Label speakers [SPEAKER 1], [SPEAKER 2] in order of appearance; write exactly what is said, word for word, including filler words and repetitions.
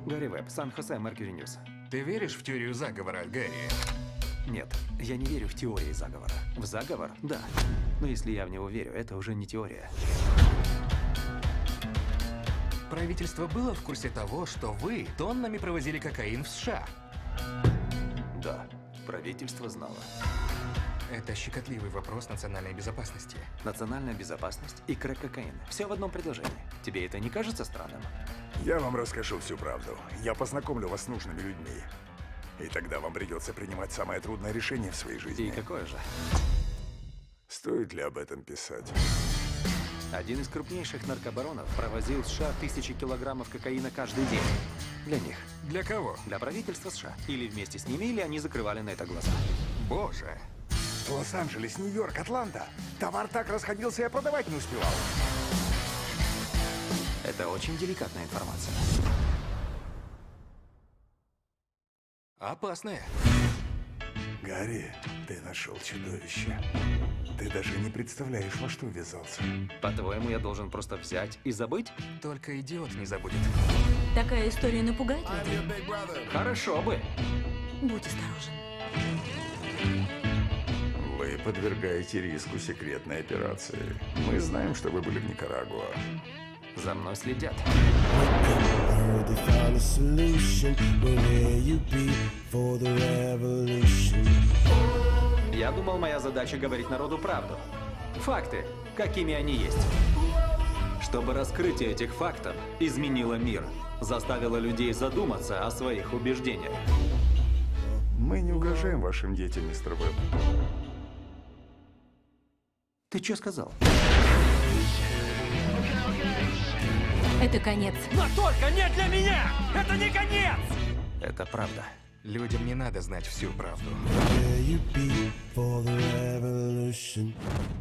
[SPEAKER 1] Гарри Веб, Сан-Хосе, Меркьюри Ньюс.
[SPEAKER 2] Ты веришь в теорию заговора, Гарри?
[SPEAKER 1] Нет, я не верю в теории заговора. В заговор – да. Но если я в него верю, это уже не теория.
[SPEAKER 2] Правительство было в курсе того, что вы тоннами провозили кокаин в США?
[SPEAKER 1] Да, правительство знало.
[SPEAKER 2] Это щекотливый вопрос национальной безопасности.
[SPEAKER 1] Национальная безопасность и крэк-кокаин. Все в одном предложении. Тебе это не кажется странным?
[SPEAKER 3] Я вам расскажу всю правду. Я познакомлю вас с нужными людьми. И тогда вам придется принимать самое трудное решение в своей жизни.
[SPEAKER 1] И какое же?
[SPEAKER 3] Стоит ли об этом писать?
[SPEAKER 1] Один из крупнейших наркобаронов провозил в США тысячи килограммов кокаина каждый день. Для них.
[SPEAKER 2] Для кого?
[SPEAKER 1] Для правительства США. Или вместе с ними, или они закрывали на это глаза.
[SPEAKER 2] Боже.
[SPEAKER 3] Лос-Анджелес, Нью-Йорк, Атланта. Товар так расходился, я продавать не успевал.
[SPEAKER 1] Это очень деликатная информация.
[SPEAKER 2] Опасное.
[SPEAKER 3] Гарри, ты нашел чудовище. Ты даже не представляешь, во что ввязался.
[SPEAKER 1] По-твоему, я должен просто взять и забыть?
[SPEAKER 2] Только идиот не забудет.
[SPEAKER 4] Такая история напугает людей?
[SPEAKER 1] Хорошо бы.
[SPEAKER 4] Будь осторожен.
[SPEAKER 3] Вы подвергаете риску секретной операции. Мы знаем, что вы были в Никарагуа.
[SPEAKER 1] За мной следят.
[SPEAKER 5] Heard they found a solution. Where you be for the revolution?
[SPEAKER 1] Я думал, моя задача говорить народу правду. Факты, какими они есть. Чтобы раскрытие этих фактов изменило мир, заставило людей задуматься о своих убеждениях.
[SPEAKER 3] Мы не угрожаем вашим детям, мистер Веб.
[SPEAKER 1] Ты что сказал?
[SPEAKER 4] Это конец.
[SPEAKER 6] Но только не для меня! Это не конец!
[SPEAKER 1] Это правда.
[SPEAKER 2] Людям не надо знать всю правду.
[SPEAKER 5] Where you be for the revolution?